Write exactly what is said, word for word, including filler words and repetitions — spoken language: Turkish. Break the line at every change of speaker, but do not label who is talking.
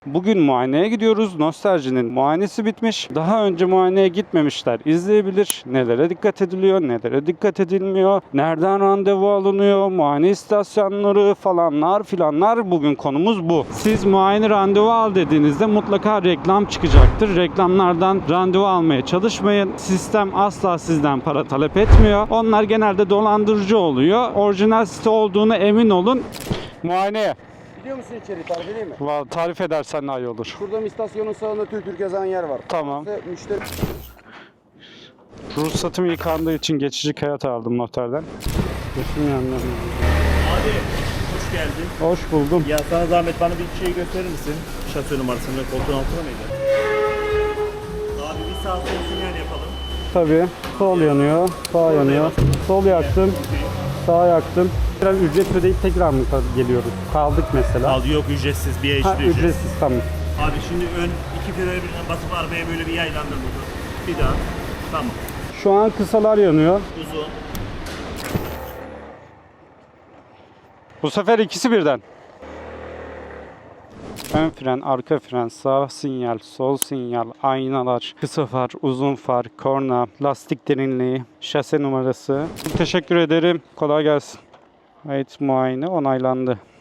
Bugün muayeneye gidiyoruz. Nostalji'nin muayenesi bitmiş. Daha önce muayeneye gitmemişler izleyebilir. Nelere dikkat ediliyor, nelere dikkat edilmiyor, nereden randevu alınıyor, muayene istasyonları falanlar filanlar. Bugün konumuz bu. Siz muayene randevu al dediğinizde mutlaka reklam çıkacaktır. Reklamlardan randevu almaya çalışmayın. Sistem asla sizden para talep etmiyor. Onlar genelde dolandırıcı oluyor. Orijinal site olduğuna emin olun. Muayeneye.
Biliyor musun içeri tarif edeyim mi?
Vallahi tarif edersen daha iyi olur.
Şurada istasyonun sağında Türk Türk yazan yer var.
Tamam.
İşte müşteri...
Ruhsatım yıkandığı için geçici kağıt aldım noterden. Geçim yanlarına.
Abi hoş geldin.
Hoş buldum.
Ya sana zahmet bana bir şey gösterir misin? Şasö numarasını ve koltuğun altına mıydı? Abi bir sağ sol sinyal yapalım.
Tabii. Sol yanıyor, sağ yanıyor. Sol yaktım, sağ yaktım. Biraz ücret ödeyip tekrar mı geliyoruz? Kaldık mesela.
Al yok ücretsiz bir
Ha,
eşli ücret.
ücretsiz tamam.
Abi şimdi ön iki frene birden basıp arabaya böyle bir yaylandır burada. Bir daha. Tamam.
Şu an kısalar yanıyor.
Uzun.
Bu sefer ikisi birden. Ön fren, arka fren, sağ sinyal, sol sinyal, aynalar, kısa far, uzun far, korna, lastik derinliği, şase numarası. Teşekkür ederim. Kolay gelsin. Evet, muayene onaylandı.